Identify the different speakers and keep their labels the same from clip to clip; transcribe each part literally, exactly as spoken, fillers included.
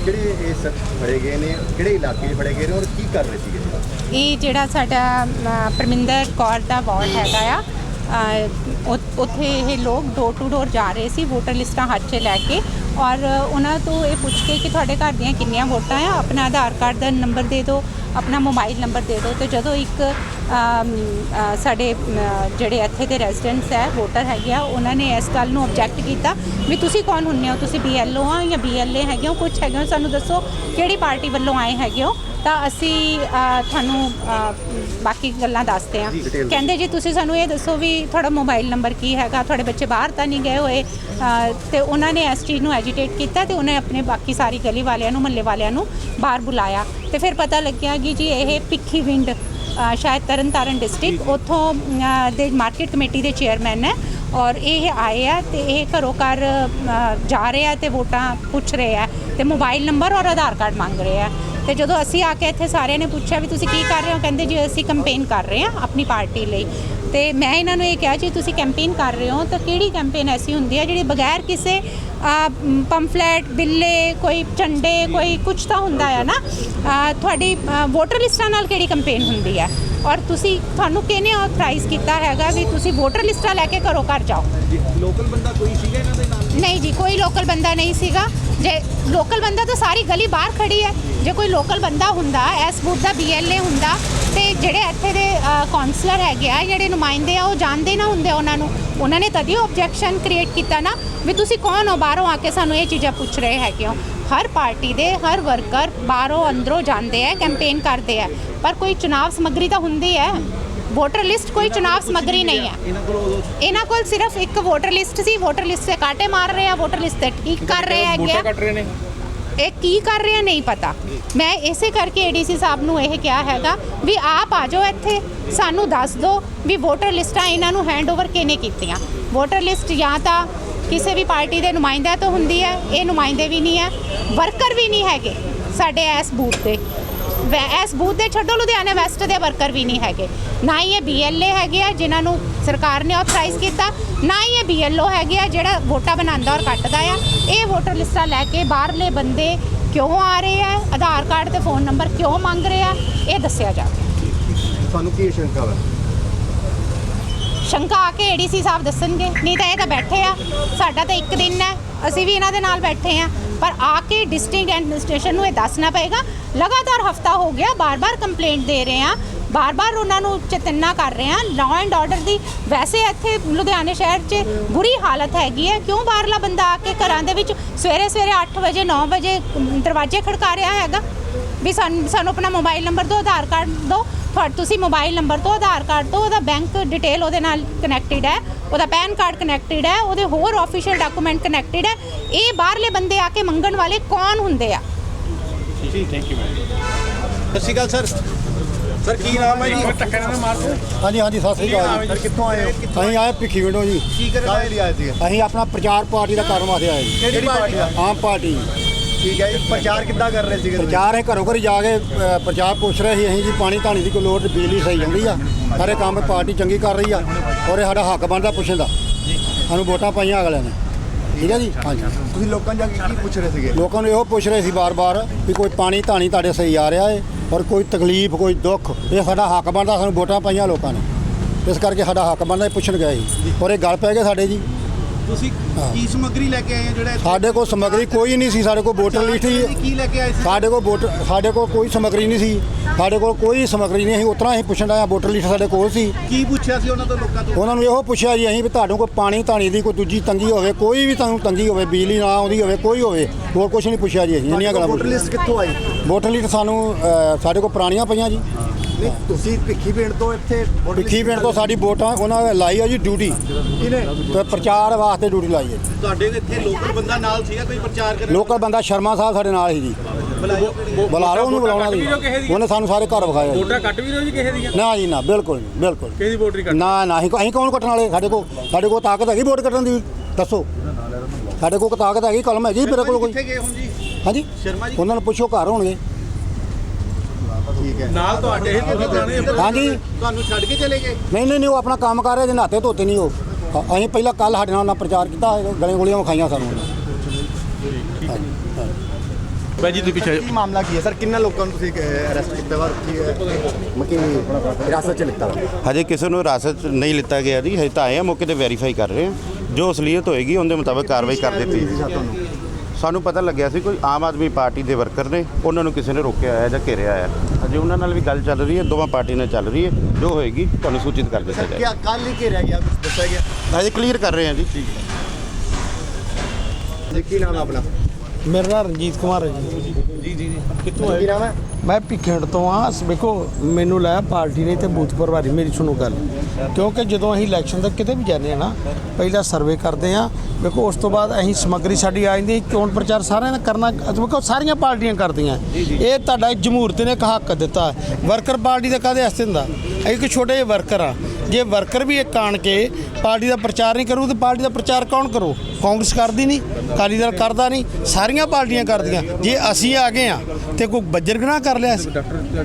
Speaker 1: ਕਿਹੜੇ ਇਹ ਸ਼ਖਸ ਫੜੇ ਗਏ ਨੇ, ਕਿਹੜੇ ਇਲਾਕੇ 'ਚ ਫੜੇ ਗਏ ਨੇ ਔਰ ਕੀ ਕਰ ਰਹੇ ਸੀਗੇ?
Speaker 2: ਇਹ ਜਿਹੜਾ ਸਾਡਾ ਪਰਮਿੰਦਰ ਕੌਰ ਦਾ ਵਾਰਡ ਹੈਗਾ ਆ, ਉੱਥੇ ਇਹ ਲੋਕ ਡੋਰ ਟੂ ਡੋਰ ਜਾ ਰਹੇ ਸੀ ਵੋਟਰ ਲਿਸਟਾਂ ਹੱਥ 'ਚ ਲੈ ਕੇ, ਔਰ ਉਹਨਾਂ ਤੋਂ ਇਹ ਪੁੱਛ ਕੇ ਕਿ ਤੁਹਾਡੇ ਘਰ ਦੀਆਂ ਕਿੰਨੀਆਂ ਵੋਟਾਂ ਆ, ਆਪਣਾ ਆਧਾਰ ਕਾਰਡ ਦਾ ਨੰਬਰ ਦੇ ਦਿਓ, ਆਪਣਾ ਮੋਬਾਈਲ ਨੰਬਰ ਦੇ ਦਿਓ। ਤੇ ਜਦੋਂ ਇੱਕ ਸਾਡੇ ਜਿਹੜੇ ਇੱਥੇ ਦੇ ਰੈਜ਼ੀਡੈਂਟਸ ਹੈ, ਵੋਟਰ ਹੈਗੇ ਆ, ਉਹਨਾਂ ਨੇ ਇਸ ਗੱਲ ਨੂੰ ਆਬਜੈਕਟ ਕੀਤਾ ਵੀ ਤੁਸੀਂ ਕੌਣ ਹੁੰਦੇ ਹੋ, ਤੁਸੀਂ ਬੀ ਐਲ ਓ ਆ ਜਾਂ ਬੀ ਐਲ ਏ ਹੈਗੇ ਹੋ, ਕੁਛ ਹੈਗੇ ਹੋ, ਸਾਨੂੰ ਦੱਸੋ ਕਿਹੜੀ ਪਾਰਟੀ ਵੱਲੋਂ ਆਏ ਹੈਗੇ ਹੋ, ਤਾਂ ਅਸੀਂ ਤੁਹਾਨੂੰ ਬਾਕੀ ਗੱਲਾਂ ਦੱਸਦੇ ਹਾਂ। ਕਹਿੰਦੇ ਜੀ ਤੁਸੀਂ ਸਾਨੂੰ ਇਹ ਦੱਸੋ ਵੀ ਤੁਹਾਡਾ ਮੋਬਾਈਲ ਨੰਬਰ ਕੀ ਹੈਗਾ, ਤੁਹਾਡੇ ਬੱਚੇ ਬਾਹਰ ਤਾਂ ਨਹੀਂ ਗਏ ਹੋਏ। ਤੇ ਉਹਨਾਂ ਨੇ ਇਸ ਚੀਜ਼ ਨੂੰ ਐਜੀਟੇਟ ਕੀਤਾ ਤੇ ਉਹਨੇ ਆਪਣੇ ਬਾਕੀ ਸਾਰੀ ਗਲੀ ਵਾਲਿਆਂ ਨੂੰ, ਮਹੱਲੇ ਵਾਲਿਆਂ ਨੂੰ ਬਾਹਰ ਬੁਲਾਇਆ ਤੇ ਫਿਰ ਪਤਾ ਲੱਗਿਆ ਕਿ ਜੀ ਇਹ ਭਿੱਖੀਵਿੰਡ ਸ਼ਾਇਦ ਤਰਨ ਤਾਰਨ ਡਿਸਟ੍ਰਿਕਟ ਉੱਥੋਂ ਦੇ ਮਾਰਕੀਟ ਕਮੇਟੀ ਦੇ ਚੇਅਰਮੈਨ ਹੈ, ਔਰ ਇਹ ਆਏ ਆ ਤੇ ਇਹ ਘਰੋਂ ਘਰ ਜਾ ਰਹੇ ਆ ਤੇ ਵੋਟਾਂ ਪੁੱਛ ਰਹੇ ਆ ਤੇ ਮੋਬਾਈਲ ਨੰਬਰ ਔਰ ਆਧਾਰ ਕਾਰਡ ਮੰਗ ਰਹੇ ਆ। ਤੇ ਜਦੋਂ ਅਸੀਂ ਆ ਕੇ ਇੱਥੇ ਸਾਰਿਆਂ ਨੇ ਪੁੱਛਿਆ ਵੀ ਤੁਸੀਂ ਕੀ ਕਰ ਰਹੇ ਹੋ, ਕਹਿੰਦੇ ਜੀ ਅਸੀਂ ਕੰਪੇਨ ਕਰ ਰਹੇ ਹਾਂ ਆਪਣੀ ਪਾਰਟੀ ਲਈ। ਤੇ ਮੈਂ ਇਹਨਾਂ ਨੂੰ ਇਹ ਕਿਹਾ ਜੀ ਤੁਸੀਂ ਕੈਂਪੇਨ ਕਰ ਰਹੇ ਹੋ ਤਾਂ ਕਿਹੜੀ ਕੈਂਪੇਨ ਐਸੀ ਹੁੰਦੀ ਹੈ ਜਿਹੜੀ ਬਗੈਰ ਕਿਸੇ ਪੰਫਲੇਟ, ਬਿੱਲੇ, ਕੋਈ ਝੰਡੇ, ਕੋਈ ਕੁਛ ਤਾਂ ਹੁੰਦਾ ਹੈ ਨਾ, ਤੁਹਾਡੀ ਵੋਟਰ ਲਿਸਟਾਂ ਨਾਲ ਕਿਹੜੀ ਕੰਪੇਨ ਹੁੰਦੀ ਹੈ, ਔਰ ਤੁਸੀਂ ਤੁਹਾਨੂੰ ਕਿਹਨੇ ਆਥਰਾਈਜ਼ ਕੀਤਾ ਹੈਗਾ ਵੀ ਤੁਸੀਂ ਵੋਟਰ ਲਿਸਟਾਂ ਲੈ ਕੇ ਘਰੋਂ ਘਰ ਜਾਓ।
Speaker 1: ਲੋਕਲ ਬੰਦਾ ਕੋਈ ਸੀਗਾ ਇਹਨਾਂ ਦੇ ਨਾਲ?
Speaker 2: ਨਹੀਂ ਜੀ, ਕੋਈ ਲੋਕਲ ਬੰਦਾ ਨਹੀਂ ਸੀਗਾ। ਜੇ ਲੋਕਲ ਬੰਦਾ ਤਾਂ ਸਾਰੀ ਗਲੀ ਬਾਹਰ ਖੜੀ ਹੈ, ਜੇ ਕੋਈ ਲੋਕਲ ਬੰਦਾ ਹੁੰਦਾ, ਇਸ ਬੂਥ ਦਾ ਬੀ ਐਲ ਏ ਹੁੰਦਾ ਤੇ ਜਿਹੜੇ ਇੱਥੇ ਦੇ ਕਾਉਂਸਲਰ ਹੈਗੇ ਆ, ਜਿਹੜੇ ਨੁਮਾਇੰਦੇ ਆ, ਉਹ ਜਾਣਦੇ ਨਾ ਹੁੰਦੇ ਉਹਨਾਂ ਨੂੰ, ਉਹਨਾਂ ਨੇ ਤਦ ਹੀ ਆਬਜੈਕਸ਼ਨ ਕ੍ਰੀਏਟ ਕੀਤਾ ਨਾ ਵੀ ਤੁਸੀਂ ਕੌਣ ਹੋ, ਬਾਹਰੋਂ ਆ ਕੇ ਸਾਨੂੰ ਇਹ ਚੀਜ਼ਾਂ ਪੁੱਛ ਰਹੇ ਹੈਗੇ ਹੋ। ਹਰ ਪਾਰਟੀ ਦੇ ਹਰ ਵਰਕਰ ਬਾਹਰੋਂ ਅੰਦਰੋਂ ਜਾਂਦੇ ਆ, ਕੈਂਪੇਨ ਕਰਦੇ ਆ, ਪਰ ਕੋਈ ਚੁਣਾਵ ਸਮੱਗਰੀ ਤਾਂ ਹੁੰਦੀ ਹੈ। ਵੋਟਰ ਲਿਸਟ ਕੋਈ ਚੁਣਾਵ ਸਮੱਗਰੀ ਨਹੀਂ ਹੈ। ਇਹਨਾਂ ਕੋਲ ਸਿਰਫ ਇੱਕ ਵੋਟਰ ਲਿਸਟ ਸੀ, ਵੋਟਰ ਲਿਸਟ ਤੇ ਕਾਟੇ ਮਾਰ ਰਹੇ ਆ, ਵੋਟਰ ਲਿਸਟ ਤੇ ਠੀਕ ਕਰ ਰਹੇ ਹੈਗੇ, ਇਹ ਕੀ ਕਰ ਰਹੇ ਆ ਨਹੀਂ ਪਤਾ। ਮੈਂ ਇਸੇ ਕਰਕੇ ਏ ਡੀ ਸੀ ਸਾਹਿਬ ਨੂੰ ਇਹ ਕਿਹਾ ਹੈਗਾ ਵੀ ਆਪ ਆ ਜਾਓ ਇੱਥੇ, ਸਾਨੂੰ ਦੱਸ ਦਿਓ ਵੀ ਵੋਟਰ ਲਿਸਟਾਂ ਇਹਨਾਂ ਨੂੰ ਹੈਂਡਓਵਰ ਕਿਹਨੇ ਕੀਤੀਆਂ। ਵੋਟਰ ਲਿਸਟ ਜਾਂ ਤਾਂ ਕਿਸੇ ਵੀ ਪਾਰਟੀ ਦੇ ਨੁਮਾਇੰਦਿਆਂ ਤੋਂ ਹੁੰਦੀ ਹੈ, ਇਹ ਨੁਮਾਇੰਦੇ ਵੀ ਨਹੀਂ ਹੈ, ਵਰਕਰ ਵੀ ਨਹੀਂ ਹੈਗੇ ਸਾਡੇ ਇਸ ਬੂਥ ਦੇ, ਇਸ ਬੂਥ ਦੇ ਛੱਡੋ ਲੁਧਿਆਣਾ ਵੈਸਟ ਦੇ ਵਰਕਰ ਵੀ ਨਹੀਂ ਹੈਗੇ, ਨਾ ਹੀ ਇਹ ਬੀ ਐਲ ਏ ਹੈਗੇ ਆ ਜਿਨ੍ਹਾਂ ਨੂੰ ਸਰਕਾਰ ਨੇ ਆਥਰਾਈਜ਼ ਕੀਤਾ, ਨਾ ਹੀ ਇਹ ਬੀ ਐਲ ਓ ਹੈਗੇ ਆ ਜਿਹੜਾ ਵੋਟਾਂ ਬਣਾਉਂਦਾ ਔਰ ਕੱਟਦਾ ਆ। ਇਹ ਵੋਟਰ ਲਿਸਟਾਂ ਲੈ ਕੇ ਬਾਹਰਲੇ ਬੰਦੇ ਕਿਉਂ ਆ ਰਹੇ ਆ, ਆਧਾਰ ਕਾਰਡ ਤੇ ਫੋਨ ਨੰਬਰ ਕਿਉਂ ਮੰਗ ਰਹੇ ਆ, ਇਹ ਦੱਸਿਆ ਜਾਵੇ।
Speaker 1: ਤੁਹਾਨੂੰ ਕੀ ਸ਼ੰਕਾ ਵਾ?
Speaker 2: ਸ਼ੰਕਾ ਆ ਕੇ ਏ ਡੀ ਸੀ ਸਾਹਿਬ ਦੱਸਣਗੇ, ਨਹੀਂ ਤਾਂ ਇਹ ਤਾਂ ਬੈਠੇ ਆ, ਸਾਡਾ ਤਾਂ ਇੱਕ ਦਿਨ ਹੈ, ਅਸੀਂ ਵੀ ਇਹਨਾਂ ਦੇ ਨਾਲ ਬੈਠੇ ਆ, ਪਰ ਆ ਕੇ ਡਿਸਟ੍ਰਿਕਟ ਐਡਮਿਨਿਸਟ੍ਰੇਸ਼ਨ ਨੂੰ ਇਹ ਦੱਸਣਾ ਪਏਗਾ। ਲਗਾਤਾਰ ਹਫਤਾ ਹੋ ਗਿਆ ਬਾਰ-ਬਾਰ ਕੰਪਲੇਂਟ ਦੇ ਰਹੇ ਆ, ਬਾਰ-ਬਾਰ ਉਹਨਾਂ ਨੂੰ ਚੇਤੰਨਾ ਕਰ ਰਹੇ ਆ। ਲਾਅ ਐਂਡ ਆਰਡਰ ਦੀ ਵੈਸੇ ਇੱਥੇ ਲੁਧਿਆਣੇ ਸ਼ਹਿਰ 'ਚ ਬੁਰੀ ਹਾਲਤ ਹੈਗੀ ਹੈ, ਕਿਉਂ ਬਾਹਰਲਾ ਬੰਦਾ ਆ ਕੇ ਘਰਾਂ ਦੇ ਵਿੱਚ ਸਵੇਰੇ ਸਵੇਰੇ ਅੱਠ ਵਜੇ ਨੌ ਵਜੇ ਦਰਵਾਜ਼ੇ ਖੜਕਾ ਰਿਹਾ ਹੈਗਾ ਵੀ ਸਾਨੂੰ ਸਾਨੂੰ ਆਪਣਾ ਮੋਬਾਈਲ ਨੰਬਰ ਦਿਓ, ਆਧਾਰ ਕਾਰਡ ਦਿਓ। ਤੁਸੀਂ ਮੋਬਾਈਲ ਨੰਬਰ ਤੋਂ, ਆਧਾਰ ਕਾਰਡ ਤੋਂ, ਉਹਦਾ ਬੈਂਕ ਡਿਟੇਲ ਉਹਦੇ ਨਾਲ ਕਨੈਕਟਿਡ ਹੈ, ਉਹਦਾ ਪੈਨ ਕਾਰਡ ਕਨੈਕਟਿਡ ਹੈ, ਉਹਦੇ ਹੋਰ ਆਫੀਸ਼ੀਅਲ ਡਾਕੂਮੈਂਟ ਕਨੈਕਟਿਡ ਹੈ। ਇਹ ਬਾਹਰਲੇ ਬੰਦੇ ਆ ਕੇ ਮੰਗਣ ਵਾਲੇ ਕੌਣ ਹੁੰਦੇ ਆ?
Speaker 1: ਜੀ ਥੈਂਕ ਯੂ ਮੈਮ। ਸਤਿ ਸ਼੍ਰੀ ਅਕਾਲ ਸਰ। ਸਰ ਕੀ ਨਾਮ ਹੈ ਜੀ?
Speaker 3: ਹਾਂਜੀ ਹਾਂਜੀ ਸਤਿ ਸ਼੍ਰੀ ਅਕਾਲ
Speaker 1: ਸਰ। ਕਿੱਥੋਂ ਆਏ ਹੋ?
Speaker 3: ਅਸੀਂ ਆਏ ਭਿੱਖੀਵਿੰਡੋਂ ਜੀ।
Speaker 1: ਕੀ ਕਰਨ ਲਈ ਆਏ ਸੀ?
Speaker 3: ਅਸੀਂ ਆਪਣਾ ਪ੍ਰਚਾਰ ਪਾਰਟੀ ਦਾ ਕਰਨ ਵਾਸਤੇ ਆਏ ਜੀ।
Speaker 1: ਕਿਹੜੀ ਪਾਰਟੀ ਦਾ?
Speaker 3: ਆਮ ਪਾਰਟੀ।
Speaker 1: ਠੀਕ ਹੈ ਜੀ। ਪ੍ਰਚਾਰ ਕਿੱਦਾਂ ਕਰ ਰਹੇ ਸੀਗੇ?
Speaker 3: ਪ੍ਰਚਾਰ ਇਹ ਘਰੋਂ ਘਰ ਜਾ ਕੇ ਅ, ਪ੍ਰਚਾਰ ਪੁੱਛ ਰਹੇ ਸੀ ਅਸੀਂ ਜੀ ਪਾਣੀ ਧਾਣੀ ਦੀ ਕੋਈ ਲੋੜ, ਬਿਜਲੀ ਸਹੀ ਆਉਂਦੀ ਆ, ਸਾਰੇ ਕੰਮ ਪਾਰਟੀ ਚੰਗੀ ਕਰ ਰਹੀ ਆ, ਔਰ ਇਹ ਸਾਡਾ ਹੱਕ ਬਣਦਾ ਪੁੱਛਣ ਦਾ। ਸਾਨੂੰ ਵੋਟਾਂ ਪਾਈਆਂ ਅਗਲਿਆਂ ਨੇ, ਠੀਕ ਹੈ ਜੀ। ਹਾਂਜੀ।
Speaker 1: ਤੁਸੀਂ ਲੋਕਾਂ ਜਾ ਕੇ ਕੀ ਪੁੱਛ ਰਹੇ ਸੀਗੇ?
Speaker 3: ਲੋਕਾਂ ਨੂੰ ਇਹੋ ਪੁੱਛ ਰਹੇ ਸੀ ਬਾਰ-ਬਾਰ ਵੀ ਕੋਈ ਪਾਣੀ ਧਾਣੀ ਤੁਹਾਡੇ ਸਹੀ ਆ ਰਿਹਾ ਹੈ, ਔਰ ਕੋਈ ਤਕਲੀਫ, ਕੋਈ ਦੁੱਖ, ਇਹ ਸਾਡਾ ਹੱਕ ਬਣਦਾ। ਸਾਨੂੰ ਵੋਟਾਂ ਪਾਈਆਂ ਲੋਕਾਂ ਨੇ, ਇਸ ਕਰਕੇ ਸਾਡਾ ਹੱਕ ਬਣਦਾ, ਇਹ ਪੁੱਛਣ ਗਏ ਸੀ, ਔਰ ਇਹ ਗੱਲ ਪੈ ਗਏ ਸਾਡੇ ਜੀ।
Speaker 1: ਤੁਸੀਂ ਕੀ ਸਮੱਗਰੀ ਲੈ ਕੇ ਆਏ ਹੋ? ਜਿਹੜਾ
Speaker 3: ਸਾਡੇ ਕੋਲ ਸਮੱਗਰੀ ਕੋਈ ਨਹੀਂ ਸੀ, ਸਾਡੇ ਕੋਲ ਵੋਟਰ ਲਿਸਟ ਹੀ।
Speaker 1: ਕੀ ਲੈ ਕੇ ਆਏ ਸੀ?
Speaker 3: ਸਾਡੇ ਕੋਲ ਵੋਟਰ ਸਾਡੇ ਕੋਲ ਕੋਈ ਸਮੱਗਰੀ ਨਹੀਂ ਸੀ, ਸਾਡੇ ਕੋਲ ਕੋਈ ਸਮੱਗਰੀ ਨਹੀਂ ਸੀ। ਉਤਰਾ ਅਸੀਂ ਪੁੱਛਣ ਆਇਆ, ਵੋਟਰ ਲਿਸਟ ਸਾਡੇ ਕੋਲ ਸੀ।
Speaker 1: ਕੀ ਪੁੱਛਿਆ ਸੀ ਉਹਨਾਂ ਤੋਂ, ਲੋਕਾਂ ਤੋਂ?
Speaker 3: ਉਹਨਾਂ ਨੂੰ ਇਹੋ ਪੁੱਛਿਆ ਜੀ ਅਸੀਂ ਵੀ ਤੁਹਾਨੂੰ ਕੋਈ ਪਾਣੀ ਧਾਣੀ ਦੀ ਕੋਈ ਦੂਜੀ ਤੰਗੀ ਹੋਵੇ, ਕੋਈ ਵੀ ਤੁਹਾਨੂੰ ਤੰਗੀ ਹੋਵੇ, ਬਿਜਲੀ ਨਾ ਆਉਂਦੀ ਹੋਵੇ, ਕੋਈ ਹੋਵੇ, ਹੋਰ ਕੁਝ ਨਹੀਂ ਪੁੱਛਿਆ ਜੀ। ਅਸੀਂ ਇੰਨੀਆਂ ਗੱਲਾਂ।
Speaker 1: ਵੋਟਰ ਲਿਸਟ ਕਿੱਥੋਂ ਆਈ?
Speaker 3: ਵੋਟਰ ਲਿਸਟ ਸਾਨੂੰ ਅ, ਸਾਡੇ ਕੋਲ ਪੁਰਾਣੀਆਂ ਪਈਆਂ ਜੀ।
Speaker 1: ਨਹੀਂ, ਤੁਸੀਂ ਭਿੱਖੀਵਿੰਡ ਤੋਂ ਇੱਥੇ
Speaker 3: ਭਿੱਖੀਵਿੰਡ ਤੋਂ ਸਾਡੀ ਵੋਟਾਂ ਉਹਨਾਂ ਨੇ ਲਾਈ ਆ ਜੀ ਡਿਊਟੀ,
Speaker 1: ਕਿਹਨੇ?
Speaker 3: ਤੇ ਪ੍ਰਚਾਰ ਵਾਸਤੇ ਡਿਊਟੀ ਲਾਈ ਹੈ।
Speaker 1: ਤੁਹਾਡੇ ਇੱਥੇ ਲੋਕਲ ਬੰਦਾ ਨਾਲ ਸੀਗਾ ਕੋਈ ਪ੍ਰਚਾਰ ਕਰਨ?
Speaker 3: ਲੋਕਲ ਬੰਦਾ ਸ਼ਰਮਾ ਸਾਹਿਬ ਸਾਡੇ ਨਾਲ ਸੀ ਜੀ। ਬੁਲਾ ਲਓ ਉਹਨੂੰ, ਬੁਲਾਉਣਾ ਜੀ। ਉਹਨੇ ਸਾਨੂੰ ਸਾਰੇ ਘਰ ਵਿਖਾਏ।
Speaker 4: ਵੋਟਾਂ ਕੱਟ ਵੀ ਰਹੇ ਜੀ ਕਿਸੇ ਦੀਆਂ?
Speaker 3: ਨਾ ਜੀ ਨਾ, ਬਿਲਕੁਲ ਨਹੀਂ, ਬਿਲਕੁਲ
Speaker 4: ਕਿਸੇ ਦੀ ਵੋਟ ਨਹੀਂ ਕੱਟ?
Speaker 3: ਨਾ ਨਾ, ਅਸੀਂ ਅਸੀਂ ਕੌਣ ਕੱਟਣ ਵਾਲੇ? ਸਾਡੇ ਕੋਲ ਸਾਡੇ ਕੋਲ ਤਾਕਤ ਹੈਗੀ ਵੋਟ ਕੱਟਣ ਦੀ? ਦੱਸੋ, ਸਾਡੇ ਕੋਲ ਤਾਕਤ ਹੈਗੀ, ਕਲਮ ਹੈਗੀ ਮੇਰੇ ਕੋਲ ਕੋਈ?
Speaker 1: ਕਿੱਥੇ ਗਏ ਹੁਣ ਜੀ?
Speaker 3: ਹਾਂਜੀ,
Speaker 1: ਸ਼ਰਮਾ ਜੀ
Speaker 3: ਉਹਨਾਂ ਨੂੰ ਪੁੱਛੋ, ਘਰ ਹੋਣਗੇ।
Speaker 1: ਠੀਕ ਹੈ।
Speaker 4: ਨਾਲ ਤੁਹਾਡੇ ਇਹ ਤੁਸੀਂ ਪੁਰਾਣੇ
Speaker 3: ਹਾਂਜੀ।
Speaker 1: ਤੁਹਾਨੂੰ ਛੱਡ ਕੇ ਚਲੇ ਗਏ?
Speaker 3: ਨਹੀਂ ਨਹੀਂ ਨਹੀਂ, ਉਹ ਆਪਣਾ ਕੰਮ ਕਰ ਰਹੇ ਜੇ, ਨਹਾਤੇ ਧੋਤੇ ਨਹੀਂ ਉਹ। ਅਸੀਂ ਪਹਿਲਾਂ ਕੱਲ ਸਾਡੇ ਨਾਲ ਉਹਨਾਂ ਪ੍ਰਚਾਰ ਕੀਤਾ, ਗਲੇ ਗੋਲੀਆਂ ਵਿਖਾਈਆਂ ਸਾਨੂੰ। ਹਾਂਜੀ।
Speaker 1: ਭਾਈ ਜੀ ਤੁਸੀਂ ਪਿੱਛੇ
Speaker 5: ਕੀ ਮਾਮਲਾ ਕੀ ਹੈ ਸਰ? ਕਿੰਨਾ ਲੋਕਾਂ ਨੂੰ ਤੁਸੀਂ ਅਰੈਸਟ ਕੀਤਾ ਵਾ ਕੀ ਮੱਕੀ ਹਿਰਾਸਤ 'ਚ ਲਿੱਤਾ ਵਾ?
Speaker 6: ਹਜੇ ਕਿਸੇ ਨੂੰ ਹਿਰਾਸਤ 'ਚ ਨਹੀਂ ਲਿੱਤਾ ਗਿਆ ਜੀ। ਹਜੇ ਤਾਂ ਆਏ ਆ, ਮੌਕੇ ਤੇ ਵੈਰੀਫਾਈ ਕਰ ਰਹੇ ਆ। ਜੋ ਅਸਲੀਅਤ ਹੋਏਗੀ ਉਹਦੇ ਮੁਤਾਬਕ ਕਾਰਵਾਈ ਕਰ ਦਿੱਤੀ। ਸਾਨੂੰ ਪਤਾ ਲੱਗਿਆ ਸੀ ਕੋਈ ਆਮ ਆਦਮੀ ਪਾਰਟੀ ਦੇ ਵਰਕਰ ਨੇ, ਉਹਨਾਂ ਨੂੰ ਕਿਸੇ ਨੇ ਰੋਕਿਆ ਹੋਇਆ ਜਾਂ ਘੇਰਿਆ ਹੋਇਆ। ਅਜੇ ਉਹਨਾਂ ਨਾਲ ਵੀ ਗੱਲ ਚੱਲ ਰਹੀ ਹੈ, ਦੋਵਾਂ ਪਾਰਟੀ ਨਾਲ ਚੱਲ ਰਹੀ ਹੈ। ਜੋ ਹੋਏਗੀ ਤੁਹਾਨੂੰ ਸੂਚਿਤ ਕਰ ਦਿੱਤਾ ਜਾਏਗਾ।
Speaker 5: ਕੀ ਕੱਲ ਹੀ ਘੇਰਿਆ ਗਿਆ, ਕੁਝ ਦੱਸਿਆ ਗਿਆ?
Speaker 6: ਹਜੇ ਕਲੀਅਰ ਕਰ ਰਹੇ ਆ ਜੀ।
Speaker 5: ਜੀ ਕੀ ਨਾਮ ਹੈ ਆਪਣਾ?
Speaker 4: ਮੇਰਾ ਨਾਮ ਰਣਜੀਤ ਕੁਮਾਰ ਹੈ ਜੀ।
Speaker 1: ਜੀ ਜੀ
Speaker 5: ਕਿੱਥੋਂ ਹੈ? ਕੀ ਨਾਮ ਹੈ?
Speaker 4: ਮੈਂ ਭਿੱਖੇੜ ਤੋਂ ਆ। ਵੇਖੋ ਮੈਨੂੰ ਲਾਇਆ ਪਾਰਟੀ ਨੇ ਤੇ ਬੂਥ ਪ੍ਰਭਾਰੀ। ਮੇਰੀ ਸੁਣੋ ਗੱਲ, ਕਿਉਂਕਿ ਜਦੋਂ ਅਸੀਂ ਇਲੈਕਸ਼ਨ ਤੱਕ ਕਿਤੇ ਵੀ ਜਾਂਦੇ ਆ ਨਾ, ਪਹਿਲਾਂ ਸਰਵੇ ਕਰਦੇ ਆ। ਵੇਖੋ ਉਸ ਤੋਂ ਬਾਅਦ ਅਸੀਂ ਸਮੱਗਰੀ ਸਾਡੀ ਆ ਜਾਂਦੀ, ਚੋਣ ਪ੍ਰਚਾਰ ਸਾਰਿਆਂ ਨੇ ਕਰਨਾ। ਵੇਖੋ ਸਾਰੀਆਂ ਪਾਰਟੀਆਂ ਕਰਦੀਆਂ। ਇਹ ਤੁਹਾਡਾ ਜਮਹੂਰਤ ਨੇ ਇੱਕ ਹੱਕ ਦਿੱਤਾ। ਵਰਕਰ ਪਾਰਟੀ ਦਾ ਕਾਹਦੇ ਵਾਸਤੇ ਹੁੰਦਾ? ਅਸੀਂ ਇੱਕ ਛੋਟੇ ਜਿਹੇ ਵਰਕਰ ਆ। ਜੇ ਵਰਕਰ ਵੀ ਇੱਕ ਆਣ ਕੇ ਪਾਰਟੀ ਦਾ ਪ੍ਰਚਾਰ ਨਹੀਂ ਕਰੂ ਤੇ ਪਾਰਟੀ ਦਾ ਪ੍ਰਚਾਰ ਕੌਣ ਕਰੂ? ਕਾਂਗਰਸ ਕਰਦੀ ਨਹੀਂ, ਅਕਾਲੀ ਦਲ ਕਰਦਾ ਨਹੀਂ, ਸਾਰੀਆਂ ਪਾਰਟੀਆਂ ਕਰਦੀਆਂ। ਜੇ ਅਸੀਂ ਆ ਗਏ ਆ ਤੇ ਕੋਈ ਬੱਜਰ ਗੁਨਾਹ ਕਰ ਲਿਆ ਸੀ?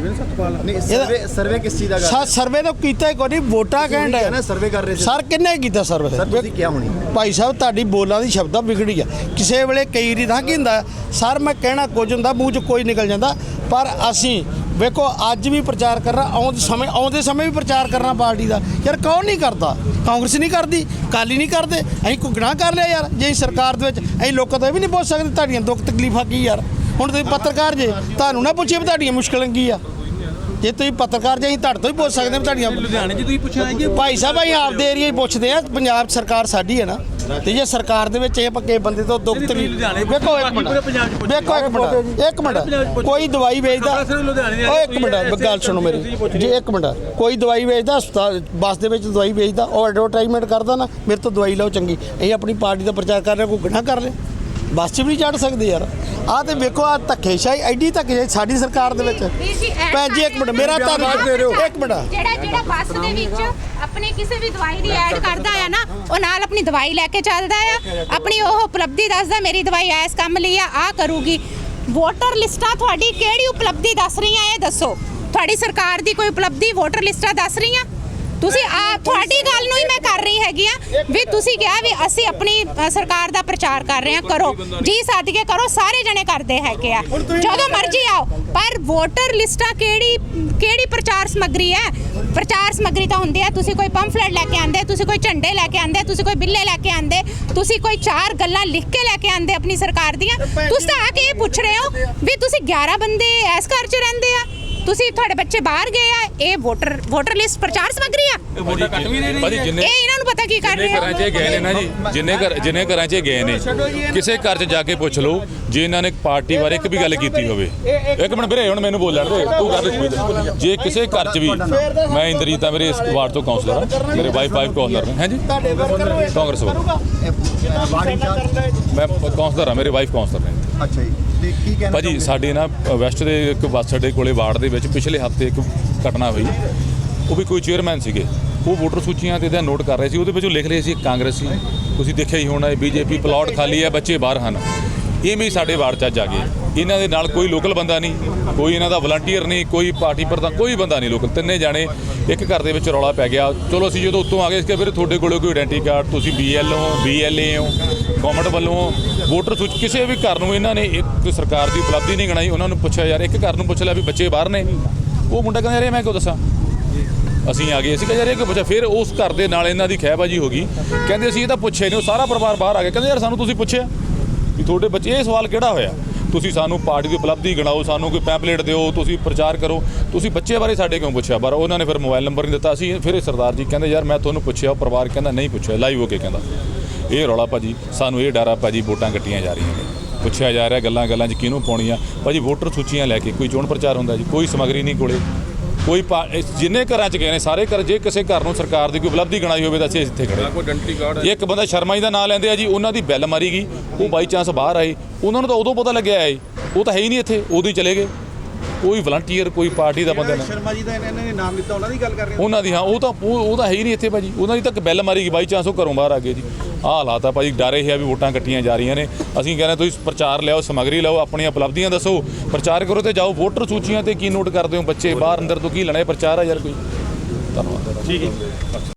Speaker 5: ਨਹੀਂ, ਸਰਵੇ ਸਰਵੇ ਕਿਸ ਚੀਜ਼ ਦਾ ਕਰ
Speaker 4: ਸਾ ਸਰਵੇ ਤਾਂ ਕੀਤਾ ਹੀ ਕੋਈ ਨਹੀਂ, ਵੋਟਾਂ ਕਹਿਣ
Speaker 5: ਹੈ
Speaker 4: ਡਏ
Speaker 5: ਨਾ? ਸਰਵੇ ਕਰ ਰਹੇ ਸੀ
Speaker 4: ਸਰ ਕਿੰਨੇ ਕੀਤਾ ਸਰਵੇ?
Speaker 5: ਸਰ ਤੁਸੀਂ ਕਿਹਾ ਹੋਣੀ
Speaker 4: ਭਾਈ ਸਾਹਿਬ ਤੁਹਾਡੀ ਬੋਲਾਂ ਦੀ ਸ਼ਬਦਾਂ ਵਿਗੜੀ ਆ। ਕਿਸੇ ਵੇਲੇ ਕਈ ਰੀ ਤਾਂ ਕੀ ਹੁੰਦਾ ਸਰ, ਮੈਂ ਕਹਿਣਾ ਕੁਝ ਹੁੰਦਾ, ਮੂੰਹ 'ਚ ਕੋਈ ਨਿਕਲ ਜਾਂਦਾ। ਪਰ ਅਸੀਂ ਵੇਖੋ ਅੱਜ ਵੀ ਪ੍ਰਚਾਰ ਕਰਨਾ, ਆਉਂਦੇ ਸਮੇਂ ਆਉਂਦੇ ਸਮੇਂ ਵੀ ਪ੍ਰਚਾਰ ਕਰਨਾ ਪਾਰਟੀ ਦਾ। ਯਾਰ ਕੌਣ ਨਹੀਂ ਕਰਦਾ? ਕਾਂਗਰਸ ਨਹੀਂ ਕਰਦੀ, ਅਕਾਲੀ ਨਹੀਂ ਕਰਦੇ। ਅਸੀਂ ਕੋਈ ਗੁਨਾਹ ਕਰ ਲਿਆ ਯਾਰ? ਜੇ ਅਸੀਂ ਸਰਕਾਰ ਦੇ ਵਿੱਚ, ਅਸੀਂ ਲੋਕਾਂ ਤੋਂ ਇਹ ਵੀ ਨਹੀਂ ਪੁੱਛ ਸਕਦੇ ਤੁਹਾਡੀਆਂ ਦੁੱਖ ਤਕਲੀਫਾਂ ਕੀ ਯਾਰ? ਹੁਣ ਤੁਸੀਂ ਪੱਤਰਕਾਰ ਜੇ, ਤੁਹਾਨੂੰ ਨਾ ਪੁੱਛੇ ਵੀ ਤੁਹਾਡੀਆਂ ਮੁਸ਼ਕਲਾਂ ਕੀ ਆ? ਜੇ ਤੁਸੀਂ ਪੱਤਰਕਾਰ ਜੇ, ਅਸੀਂ ਤੁਹਾਡੇ ਤੋਂ ਹੀ ਪੁੱਛ ਸਕਦੇ ਹਾਂ ਤੁਹਾਡੀਆਂ।
Speaker 1: ਲੁਧਿਆਣੇ ਜੀ ਤੁਸੀਂ ਪੁੱਛਿਆ ਕਿ
Speaker 4: ਭਾਈ ਸਾਹਿਬ ਅਸੀਂ ਆਪਦੇ ਏਰੀਆ ਹੀ ਪੁੱਛਦੇ ਆ। ਪੰਜਾਬ ਸਰਕਾਰ ਸਾਡੀ ਹੈ ਨਾ, ਤੇ ਜੇ ਸਰਕਾਰ ਦੇ ਵਿੱਚ ਇਹ ਪੱਕੇ ਬੰਦੇ ਤੋਂ ਦੁੱਖ ਤਕਲੀਫ। ਵੇਖੋ ਇੱਕ ਮਿੰਟ, ਵੇਖੋ ਇੱਕ ਮਿੰਟ, ਇੱਕ ਮਿੰਟ। ਕੋਈ ਦਵਾਈ ਵੇਚਦਾ, ਉਹ ਇੱਕ ਮਿੰਟ ਗੱਲ ਸੁਣੋ ਮੇਰੀ ਜੀ, ਇੱਕ ਮਿੰਟ। ਕੋਈ ਦਵਾਈ ਵੇਚਦਾ, ਹਸਪਤਾਲ ਬੱਸ ਦੇ ਵਿੱਚ ਦਵਾਈ ਵੇਚਦਾ, ਉਹ ਐਡਵਰਟਾਈਜ਼ਮੈਂਟ ਕਰਦਾ ਨਾ, ਮੇਰੇ ਤੋਂ ਦਵਾਈ ਲਓ ਚੰਗੀ। ਅਸੀਂ ਆਪਣੀ ਪਾਰਟੀ ਦਾ ਪ੍ਰਚਾਰ ਕਰ ਰਹੇ, ਕੋਈ ਗੁਨਾਹ ਕਰ ਰਹੇ? ਬੱਸ 'ਚ ਵੀ ਨਹੀਂ ਚੜ੍ਹ ਸਕਦੇ ਯਾਰ। ਆਹ ਤੇ ਵੇਖੋ, ਆਹ ਧੱਕੇਸ਼ਾਹੀ, ਐਡੀ ਧੱਕੇਸ਼ਾਹੀ ਸਾਡੀ ਸਰਕਾਰ ਦੇ ਵਿੱਚ। ਭੈਣ ਜੀ ਇੱਕ ਮਿੰਟ, ਮੇਰਾ ਧੰਨਵਾਦ ਦੇ ਰਹੇ ਹੋ। ਇੱਕ ਮਿੰਟ।
Speaker 2: ਜਿਹੜਾ ਜਿਹੜਾ ਬੱਸ ਦੇ ਵਿੱਚ ਆਪਣੀ ਕਿਸੇ ਵੀ ਦਵਾਈ ਦੀ ਐਡ ਕਰਦਾ ਆ ਨਾ, ਉਹ ਨਾਲ ਆਪਣੀ ਦਵਾਈ ਲੈ ਕੇ ਚੱਲਦਾ ਆ, ਆਪਣੀ ਉਹ ਉਪਲਬਧੀ ਦੱਸਦਾ, ਮੇਰੀ ਦਵਾਈ ਇਸ ਕੰਮ ਲਈ ਆ, ਆ ਕਰੂਗੀ। ਵੋਟਰ ਲਿਸਟਾਂ ਤੁਹਾਡੀ ਕਿਹੜੀ ਉਪਲਬਧੀ ਦੱਸ ਰਹੀਆਂ? ਇਹ ਦੱਸੋ, ਤੁਹਾਡੀ ਸਰਕਾਰ ਦੀ ਕੋਈ ਉਪਲਬਧੀ ਵੋਟਰ ਲਿਸਟਾਂ ਦੱਸ ਰਹੀਆਂ? ਤੁਸੀਂ ਆ ਤੁਹਾਡੀ ਗੱਲ ਨੂੰ ਹੀ ਮੈਂ ਕਰ ਰਹੀ ਹੈਗੀ ਆ ਵੀ ਤੁਸੀਂ ਕਿਹਾ ਵੀ ਅਸੀਂ ਆਪਣੀ ਅ, ਸਰਕਾਰ ਦਾ ਪ੍ਰਚਾਰ ਕਰ ਰਹੇ ਹਾਂ। ਕਰੋ ਜੀ, ਸੱਦ ਕੇ ਕਰੋ, ਸਾਰੇ ਜਣੇ ਕਰਦੇ ਹੈਗੇ ਆ, ਜਦੋਂ ਮਰਜ਼ੀ ਆਓ। ਪਰ ਵੋਟਰ ਲਿਸਟਾਂ ਕਿਹੜੀ ਕਿਹੜੀ ਪ੍ਰਚਾਰ ਸਮੱਗਰੀ ਹੈ? ਪ੍ਰਚਾਰ ਸਮੱਗਰੀ ਤਾਂ ਹੁੰਦੀ ਹੈ, ਤੁਸੀਂ ਕੋਈ ਪੰਫਲੇਟ ਲੈ ਕੇ ਆਂਦੇ, ਤੁਸੀਂ ਕੋਈ ਝੰਡੇ ਲੈ ਕੇ ਆਂਦੇ, ਤੁਸੀਂ ਕੋਈ ਬਿੱਲੇ ਲੈ ਕੇ ਆਂਦੇ, ਤੁਸੀਂ ਕੋਈ ਚਾਰ ਗੱਲਾਂ ਲਿਖ ਕੇ ਲੈ ਕੇ ਆਂਦੇ ਆਪਣੀ ਸਰਕਾਰ ਦੀਆਂ। ਤੁਸੀਂ ਤਾਂ ਆ ਕੇ ਇਹ ਪੁੱਛ ਰਹੇ ਹੋ ਵੀ ਤੁਸੀਂ ਗਿਆਰਾਂ ਬੰਦੇ ਇਸ ਘਰ 'ਚ ਰਹਿੰਦੇ ਆ, ਤੁਸੀਂ ਤੁਹਾਡੇ ਬੱਚੇ ਬਾਹਰ ਗਏ ਆ। ਇਹ ਵੋਟਰ ਵੋਟਰ ਲਿਸਟ ਪ੍ਰਚਾਰ ਸਮੱਗਰੀ ਆ?
Speaker 7: ਭਾਜੀ ਜਿੰਨੇ
Speaker 2: ਇਹ ਇਹਨਾਂ ਨੂੰ ਪਤਾ ਕੀ ਕਰ ਰਹੇ
Speaker 7: ਘਰਾਂ 'ਚ ਇਹ ਗਏ ਨੇ ਨਾ ਜੀ, ਜਿੰਨੇ ਘਰ ਜਿੰਨੇ ਘਰਾਂ 'ਚ ਇਹ ਗਏ ਨੇ, ਕਿਸੇ ਘਰ 'ਚ ਜਾ ਕੇ ਪੁੱਛ ਲਓ ਜੇ ਇਹਨਾਂ ਨੇ ਪਾਰਟੀ ਬਾਰੇ ਇੱਕ ਵੀ ਗੱਲ ਕੀਤੀ ਹੋਵੇ। ਇੱਕ ਮਿੰਟ ਵੀਰੇ, ਹੁਣ ਮੈਨੂੰ ਬੋਲਣ ਦੇ, ਤੂੰ ਕਰ ਦੇ। ਜੇ ਕਿਸੇ ਘਰ 'ਚ ਵੀ, ਮੈਂ ਇੰਦਰਜੀਤ ਆ, ਮੇਰੇ ਇਸ ਵਾਰਡ ਤੋਂ ਕਾਉਂਸਲਰ ਆ, ਮੇਰੇ ਵਾਈਫ ਵਾਈਫ ਕਾਉਂਸਲਰ ਨੇ। ਹਾਂਜੀ, ਕਾਂਗਰਸ ਵੱਲੋਂ ਮੈਂ ਕਾਉਂਸਲਰ ਆ, ਮੇਰੇ ਵਾਈਫ ਕਾਉਂਸਲਰ ਨੇ।
Speaker 5: ਅੱਛਾ ਜੀ, ਤੇ ਕੀ ਕਹਿਣਾ
Speaker 7: ਭਾਜੀ ਸਾਡੇ ਨਾ ਵੈਸਟ ਦੇ ਇੱਕ ਬੱਸ ਅੱਡੇ ਕੋਲੇ ਵਾਰਡ ਦੇ ਵਿੱਚ ਪਿਛਲੇ ਹਫਤੇ ਇੱਕ ਘਟਨਾ ਹੋਈ। ਉਹ ਵੀ ਕੋਈ ਚੇਅਰਮੈਨ ਸੀਗੇ, ਉਹ ਵੋਟਰ ਸੂਚੀਆਂ ਤੇ ਇਹਦਾ ਨੋਟ ਕਰ ਰਹੇ ਸੀ। ਉਹਦੇ ਵਿੱਚੋਂ ਲਿਖ ਰਹੇ ਸੀ ਕਾਂਗਰਸੀ, ਤੁਸੀਂ ਦੇਖਿਆ ਹੀ ਹੋਣਾ, ਬੀਜੇਪੀ, ਪਲਾਟ ਖਾਲੀ ਹੈ, ਬੱਚੇ ਬਾਹਰ ਹਨ। ਇਹ ਵੀ ਸਾਡੇ ਵਾਰਡ 'ਚ ਅੱਜ ਆ ਗਏ। ਇਹਨਾਂ ਦੇ ਨਾਲ ਕੋਈ ਲੋਕਲ ਬੰਦਾ ਨਹੀਂ, ਕੋਈ ਇਹਨਾਂ ਦਾ ਵਲੰਟੀਅਰ ਨਹੀਂ, ਕੋਈ ਪਾਰਟੀ ਪ੍ਰਧਾਨ, ਕੋਈ ਬੰਦਾ ਨਹੀਂ ਲੋਕਲ। ਤਿੰਨੇ ਜਾਣੇ ਇੱਕ ਘਰ ਦੇ ਵਿੱਚ ਰੌਲਾ ਪੈ ਗਿਆ। ਚਲੋ ਅਸੀਂ ਜਦੋਂ ਉੱਤੋਂ ਆ ਗਏ, ਇਸ ਕੇ ਫਿਰ ਤੁਹਾਡੇ ਕੋਲ ਕੋਈ ਆਇਡੈਂਟੀ ਕਾਰਡ, ਤੁਸੀਂ ਬੀ ਐਲ ਹੋ, ਬੀ ਐਲ ਏ ਹੋ, ਗੌਰਮੈਂਟ ਵੱਲੋਂ ਵੋਟਰ ਸੂਚੀ। ਕਿਸੇ ਵੀ ਘਰ ਨੂੰ ਇਹਨਾਂ ਨੇ ਇੱਕ ਸਰਕਾਰ ਦੀ ਉਪਲਬਧੀ ਨਹੀਂ ਗਣਾਈ। ਉਹਨਾਂ ਨੂੰ ਪੁੱਛਿਆ, ਯਾਰ ਇੱਕ ਘਰ ਨੂੰ ਪੁੱਛ ਲਿਆ ਵੀ ਬੱਚੇ ਬਾਹਰ ਨੇ। ਉਹ ਮੁੰਡਾ ਕਹਿੰਦਾ ਯਾਰ ਮੈਂ ਕਿਉਂ ਦੱਸਾਂ, ਅਸੀਂ ਆ ਗਏ ਸੀ। ਕਹਿੰਦੇ ਯਾਰ ਇਹ ਕਿਉਂ ਪੁੱਛਿਆ? ਫਿਰ ਉਸ ਘਰ ਦੇ ਨਾਲ ਇਹਨਾਂ ਦੀ ਖਹਿਬਾਜੀ ਹੋ ਗਈ। ਕਹਿੰਦੇ ਅਸੀਂ ਇਹ ਤਾਂ ਪੁੱਛਿਆ ਨਹੀਂ। ਉਹ ਸਾਰਾ ਪਰਿਵਾਰ ਬਾਹਰ ਆ ਗਿਆ। ਕਹਿੰਦੇ ਯਾਰ ਸਾਨੂੰ ਤੁਸੀਂ ਪੁੱਛਿਆ ਵੀ ਤੁਹਾਡੇ ਬੱਚੇ, ਇਹ ਸਵਾਲ ਕਿਹੜਾ ਹੋਇਆ? ਤੁਸੀਂ ਸਾਨੂੰ ਪਾਰਟੀ ਦੀ ਉਪਲਬਧੀ ਗਣਾਓ, ਸਾਨੂੰ ਕੋਈ ਪੈਂਪਲੇਟ ਦਿਓ, ਤੁਸੀਂ ਪ੍ਰਚਾਰ ਕਰੋ, ਤੁਸੀਂ ਬੱਚੇ ਬਾਰੇ ਸਾਡੇ ਕਿਉਂ ਪੁੱਛਿਆ? ਪਰ ਉਹਨਾਂ ਨੇ ਫਿਰ ਮੋਬਾਈਲ ਨੰਬਰ ਨਹੀਂ ਦਿੱਤਾ ਸੀ। ਫਿਰ ਇਹ ਸਰਦਾਰ ਜੀ ਕਹਿੰਦੇ ਯਾਰ ਮੈਂ ਤੁਹਾਨੂੰ ਪੁੱਛਿਆ। ਉਹ ਪਰਿਵਾਰ ਕਹਿੰਦਾ ਨਹੀਂ ਪੁੱਛਿਆ, ਲਾਈਵ ਹੋ ਕੇ ਕਹਿੰਦਾ। ਇਹ ਰੌਲਾ ਭਾਜੀ, ਸਾਨੂੰ ਇਹ ਡਰ ਆ ਭਾਜੀ, ਵੋਟਾਂ ਕੱਟੀਆਂ ਜਾ ਰਹੀਆਂ ਨੇ, ਪੁੱਛਿਆ ਜਾ ਰਿਹਾ ਗੱਲਾਂ ਗੱਲਾਂ 'ਚ ਕਿਹਨੂੰ ਪਾਉਣੀਆਂ। ਭਾਜੀ ਵੋਟਰ ਸੂਚੀਆਂ ਲੈ ਕੇ ਕੋਈ ਚੋਣ ਪ੍ਰਚਾਰ ਹੁੰਦਾ ਜੀ? ਕੋਈ ਸਮੱਗਰੀ ਨਹੀਂ ਕੋਲੇ, ਕੋਈ ਜਿੰਨੇ ਘਰਾਂ 'ਚ ਗਏ ਨੇ ਸਾਰੇ ਘਰ। ਜੇ ਕਿਸੇ ਘਰ ਨੂੰ ਸਰਕਾਰ ਦੀ ਕੋਈ ਉਪਲਬਧੀ ਗਣਾਈ ਹੋਵੇ ਤਾਂ ਅਸੀਂ ਇੱਥੇ ਖੜੇ। ਇੱਕ ਬੰਦਾ ਸ਼ਰਮਾ ਜੀ ਦਾ ਨਾਂ ਲੈਂਦੇ ਆ ਜੀ, ਉਹਨਾਂ ਦੀ ਬੈਲ ਮਾਰੀ ਗਈ, ਉਹ ਬਾਈ ਚਾਂਸ ਬਾਹਰ ਆਏ, ਉਹਨਾਂ ਨੂੰ ਤਾਂ ਉਦੋਂ ਪਤਾ ਲੱਗਿਆ ਹੈ, ਉਹ ਤਾਂ ਹੈ ਹੀ ਨਹੀਂ ਇੱਥੇ, ਉਦੋਂ ਹੀ ਚਲੇ ਗਏ। ਕੋਈ ਵਲੰਟੀਅਰ, ਕੋਈ ਪਾਰਟੀ ਦਾ ਬੰਦਾ।
Speaker 1: ਸ਼ਰਮਾ ਜੀ ਦਾ ਇਹਨਾਂ ਨੇ ਨਾਮ ਲਿੱਤਾ, ਉਹਨਾਂ ਦੀ ਗੱਲ ਕਰ ਰਹੇ ਹੋ?
Speaker 7: ਉਹਨਾਂ ਦੀ, ਹਾਂ, ਉਹ ਤਾਂ ਉਹ ਉਹ ਤਾਂ ਹੈ ਹੀ ਨਹੀਂ ਇੱਥੇ ਭਾਜੀ। ਉਹਨਾਂ ਦੀ ਤੱਕ ਬੈਲ ਮਾਰੀ ਗਈ, ਬਾਈ ਚਾਂਸ ਉਹ ਘਰੋਂ ਬਾਹਰ ਆ ਗਏ ਜੀ। ਆਹ ਹਾਲਾਤ ਆ ਭਾਜੀ, ਡਰ ਇਹ ਆ ਵੀ ਵੋਟਾਂ ਕੱਟੀਆਂ ਜਾ ਰਹੀਆਂ ਨੇ। ਅਸੀਂ ਕਹਿੰਦੇ ਤੁਸੀਂ ਪ੍ਰਚਾਰ ਲਿਆਓ, ਸਮੱਗਰੀ ਲਿਆਓ, ਆਪਣੀਆਂ ਉਪਲਬਧੀਆਂ ਦੱਸੋ, ਪ੍ਰਚਾਰ ਕਰੋ ਤੇ ਜਾਓ। ਵੋਟਰ ਸੂਚੀਆਂ ਤੇ ਕੀ ਨੋਟ ਕਰਦੇ ਹੋ? ਬੱਚੇ ਬਾਹਰ ਅੰਦਰ ਤੋਂ ਕੀ ਲੈਣਾ? ਪ੍ਰਚਾਰ ਆ ਯਾਰ ਕੋਈ। ਧੰਨਵਾਦ।
Speaker 1: ਠੀਕ ਹੈ।